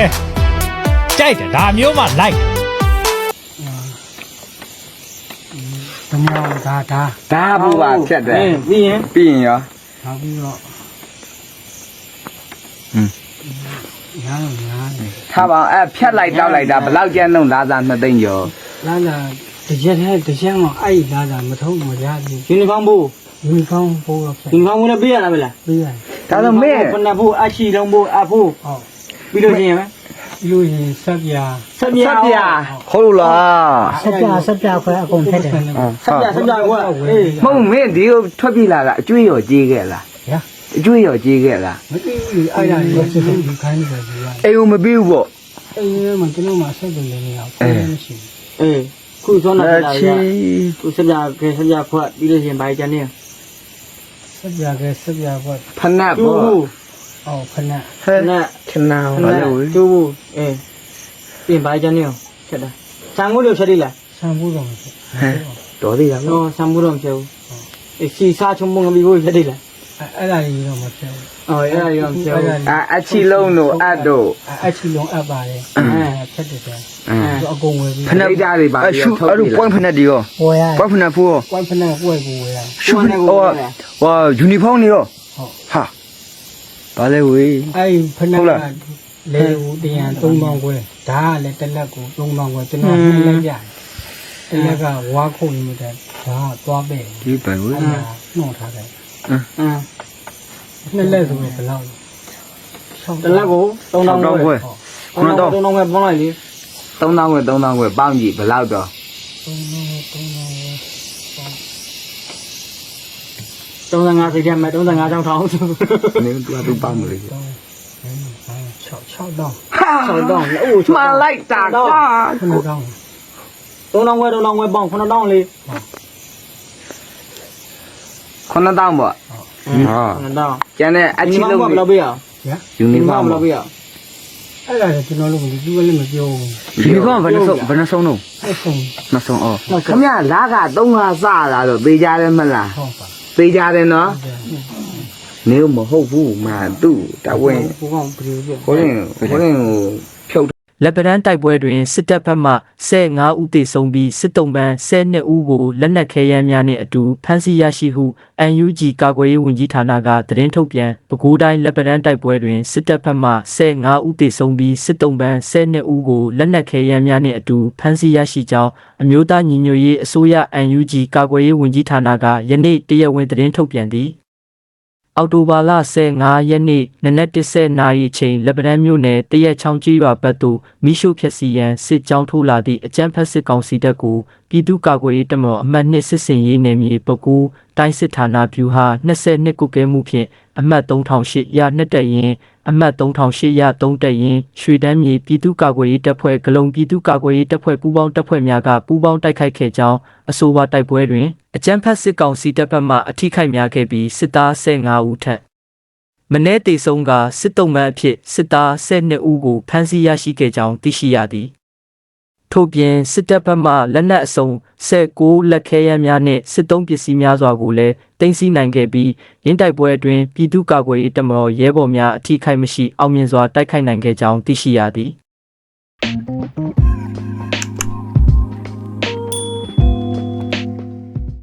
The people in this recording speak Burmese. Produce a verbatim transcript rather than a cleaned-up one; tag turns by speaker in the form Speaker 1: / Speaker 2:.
Speaker 1: ကြိုက်တယ်ဒါမျိုးမှလိုက်
Speaker 2: တမောဒါဒါ
Speaker 3: ဒါဘူးပါဖြတ်တယ်
Speaker 4: ပြီးရင်
Speaker 3: ပြီးရင်ရော
Speaker 2: နောက်ပြီးတော့
Speaker 3: ဟွန်း
Speaker 2: ညားညားတယ်
Speaker 3: ထားပါအဲ့ဖြတ်လိုက်တောက်လိုက်တာဘယ်လောက်ကျန်းလုံးလာစားနှစ်သိန်းကျော်
Speaker 2: လာလာတရက်နဲ့တရက်မှအဲ့လာလာမထုံးမရဘူး
Speaker 4: ယူနီဖောင်းဖို့
Speaker 2: ယူနီဖောင်းပိုးတော့ဖြတ်
Speaker 4: ယူနီဖောင်းဝင်ပေးရလားမလား
Speaker 2: ပြီးရတယ်
Speaker 3: ဒါဆိုမင်း
Speaker 4: ခုနဖို့အရှိလုံးဖို့အဖို့
Speaker 2: ဟုတ်
Speaker 4: ပြီးလို့ရှိရင်
Speaker 2: ပြီးလို့ရင်ဆက်ပြာ
Speaker 4: ဆက်ပြ
Speaker 3: ဆက်ပြဟုတ်လို့လား
Speaker 2: ဆက်ပြာဆက်ပြာခွဲအကုန်ထက်တယ်
Speaker 4: ဆက်ပြဆက်ပြကွာအေး
Speaker 3: မဟုတ်မင်းဒီကိုထွက်ပြေးလာတာအကျွေးရောကြီးခဲ့လား
Speaker 2: ရ
Speaker 3: အကျွေးရောကြီးခဲ့လား
Speaker 2: မသိဘူးအဲ့ဒါကိုစစ်စစ်ဒီခိုင်းနေတယ်ဒီက
Speaker 3: အိမ်ကိုမပြီးဘူးပေါ့
Speaker 2: အဲ့ဒီမှာကျွန်တော်မှဆက်တယ်လည်းမရဘူးမရှိဘူး
Speaker 4: အေးခုစောနာ
Speaker 3: အဲ
Speaker 4: လာ
Speaker 3: ချီ
Speaker 4: ရခုဆက်ပြခဲဆက်ပြခွတ်ပြီးလို့ရှိရင်ဘာကြနေ
Speaker 2: ဆက်ပြာကဆက်ပြာခွဲ
Speaker 3: ဖနက်
Speaker 4: ကျိုး
Speaker 3: ပေါ့
Speaker 4: ဘူး
Speaker 2: အော်ခဏ
Speaker 3: ဟဲ့
Speaker 4: နဲ့
Speaker 3: ခဏဘာလို့
Speaker 4: ကျိုးဘူးအေးပြင်ဘာကြနေချက်တာဆံမိုးလို့ချက်လိလား
Speaker 2: ဆံဘူးတော့မရှိ
Speaker 3: တော်သေးလား
Speaker 4: နော်ဆံမိုးတော့မချက်ဘူးအေးစီစားချုံမငပြီးဖို့ချက်လိလား
Speaker 2: အဲ့ဒါကြီးတော့မဖြစ်ဘူး
Speaker 4: အော်အဲ့ဒါရောမချက်ဘူး
Speaker 3: အအချီလုံးတို့အတ်တို့
Speaker 2: အဲ့ချီလုံးအပ်ပါတယ်အဲဖြတ်တယ်ဆိုအကုန်ဝယ်ပြီး
Speaker 3: ဖနက်ဓာတ်တွေပါ
Speaker 5: အရှုအဲ့လို point ဖက်နဲ့ဒီရော
Speaker 2: ဝယ်ရ
Speaker 5: point ဖက်နဲ့ဖူးရော
Speaker 2: ကွိုင်းဖက်နဲ့ဝယ်ကိုဝယ်ရ
Speaker 5: ရှုဟိုဟာယူနီဖောင်းနေရော
Speaker 2: ဟုတ်
Speaker 5: ဟာဘာလဲဝေး
Speaker 2: အဲ့ဖက်နဲ့လေဦးတရန်သုံးပေါင်းခွဲဒါကလည်းတစ်လက်ကိုသုံးပေါင်းခွဲကျွန်တော်နှိမ့်လိုက်ရတယ်တစ်လက်ကဝါခုန်နေတဲ့ဒါကသွားပဲ
Speaker 5: ဒီပဲဝေး
Speaker 2: အဲ့ဒါနှောက်ထားတယ်
Speaker 4: အင်း
Speaker 2: နှစ်လက်ဆိုတော့ဘယ်လောက်
Speaker 4: တလက်ကိုသုံးတောင်း
Speaker 5: တော့
Speaker 4: ခွဲ
Speaker 5: ခွဲ
Speaker 4: ခုနတော့သုံးတောင်းခွဲပေါင်းလိုက်လေ
Speaker 3: သုံးသောင်းခွဲသုံးသောင်းခွဲပေါင်းကြည့်ဘယ်လောက်တော့
Speaker 2: သုံးပေါင်းသုံးပေါင်း
Speaker 4: သုံး၅စိတ်ထဲမှာသုံး၅ချောင်းထောင်း
Speaker 3: နင်းတူတူပေါင်းမလို့
Speaker 2: 6 6တောင်း
Speaker 3: ဟာ
Speaker 4: ဆောင်းတောင်းအိုး
Speaker 3: မှန်လိုက်တာကွာ
Speaker 2: 9တောင်း
Speaker 4: သုံးတောင်းခွဲသုံးတောင်းခွဲပေါင်းခုနတောင်းလေ
Speaker 3: ခုနှစ်တောင်းပေါ့
Speaker 5: ဟာ
Speaker 4: ခုနတောင်း
Speaker 3: ကျန်တဲ့အချီလုံး
Speaker 4: ဘယ်လောက်ပေးရအောင်
Speaker 2: ရ
Speaker 3: ယူနီဖောင်း
Speaker 4: ဘယ်
Speaker 3: ပေါ့
Speaker 4: လောက်ပေးရအောင်
Speaker 2: အဲ့ဒါကျွန်တော်တို့ကသူကလည်းမပြောဘူး
Speaker 5: ယူနီဖောင်းဘယ်နှဆုံးဘယ်နှဆုံးတော့
Speaker 2: အဲ့ဆုံး
Speaker 5: နှစ်ဆုံးအော်
Speaker 3: ခမရလာကသုံးဟာစလာတော့ပေးကြတယ်မလား
Speaker 2: ဟောပါ
Speaker 3: ပေးကြတယ်နော်နေမဟုတ်ဘူးမာသူ့တဝင်း
Speaker 4: ဘုကောင်ဘယ်လိုပြ
Speaker 3: ကိုရင်ကိုရင်ကိုဖြုတ်
Speaker 6: လက်ပံတိုက်ပွဲတွင်စစ်တပ်ဘက်မှဆယ်ငါးဦးသေဆုံးပြီးစစ်တုံးပန်းဆယ်နှစ်ဦးကိုလက်နက်ခဲယမ်းများနှင့်အတူဖမ်းဆီးရရှိဟု အန်ယူဂျီ ကာကွယ်ရေးဝန်ကြီးဌာနကသတင်းထုတ်ပြန်ပဲခူးတိုင်းလက်ပံတိုက်ပွဲတွင်စစ်တပ်ဘက်မှဆယ်ငါးဦးသေဆုံးပြီးစစ်တုံးပန်းဆယ်နှစ်ဦးကိုလက်နက်ခဲယမ်းများနှင့်အတူဖမ်းဆီးရရှိကြောင်းအမျိုးသားညီညွတ်ရေးအစိုးရ အန်ယူဂျီ ကာကွယ်ရေးဝန်ကြီးဌာနကယနေ့တရားဝင်သတင်းထုတ်ပြန်သည်အော်တိုဘာလဆယ်ငါးရက်နေ့နနက်တစ်ဆယ်နာရီအချိန်လက်ပံမြို့နယ်တရက်ချောင်းကြီးရွာဘက်သို့မိရှုဖြက်စီရန်စစ်ကြောင်းထိုးလာသည့်အကြမ်းဖက်စစ်ကောင်စီတပ်ကိုပြည်သူ့ကာကွယ်ရေးတပ်မတော်အမှတ်နှစ်စစ်စင်ရေးနယ်မြေပဲခူးတိုင်းစစ်ဌာနဗျူဟာ၂၂ကုကဲမှုဖြင့်အမှတ်၃၈၀၀ရနှစ်တက်ရင်အမှတ်၃၈၀၀သုံးတက်ရင်ရွှေတန်းမြေပြည်သူ့ကာကွယ်ရေးတပ်ဖွဲ့ဂလုံပြည်သူ့ကာကွယ်ရေးတပ်ဖွဲ့ပူးပေါင်းတပ်ဖွဲ့များကပူးပေါင်းတိုက်ခိုက်ခဲ့ကြောင်းအဆိုပါတိုက်ပွဲတွင်အကြမ်းဖက်စစ်ကောင်စီတပ်ဘက်မှအထိခိုက်များခဲ့ပြီးစစ်သားဆယ်ငါးဦးထက်မနေ့တေဆုံးကစစ်တုံးပန်းအဖြစ်စစ်သားဆယ်နှစ်ဦးကိုဖမ်းဆီးရရှိခဲ့ကြောင်းသိရှိရသည်ထို့ပြင်စစ်တပ်ဘက်မှလက်နက်အစုံဆယ်ကိုးလက်ခဲယမ်းများနှင့်စစ်သုံးပစ္စည်းများစွာကိုလည်းတင်စီနိုင်ခဲ့ပြီးရင်းတိုက်ပွဲအတွင်းပြည်သူ့ကာကွယ်ရေးတပ်မတော်ရဲဘော်များအထိခိုက်မရှိအောင်မြင်စွာတိုက်ခိုက်နိုင်ခဲ့ကြောင်းသိရှိရသည်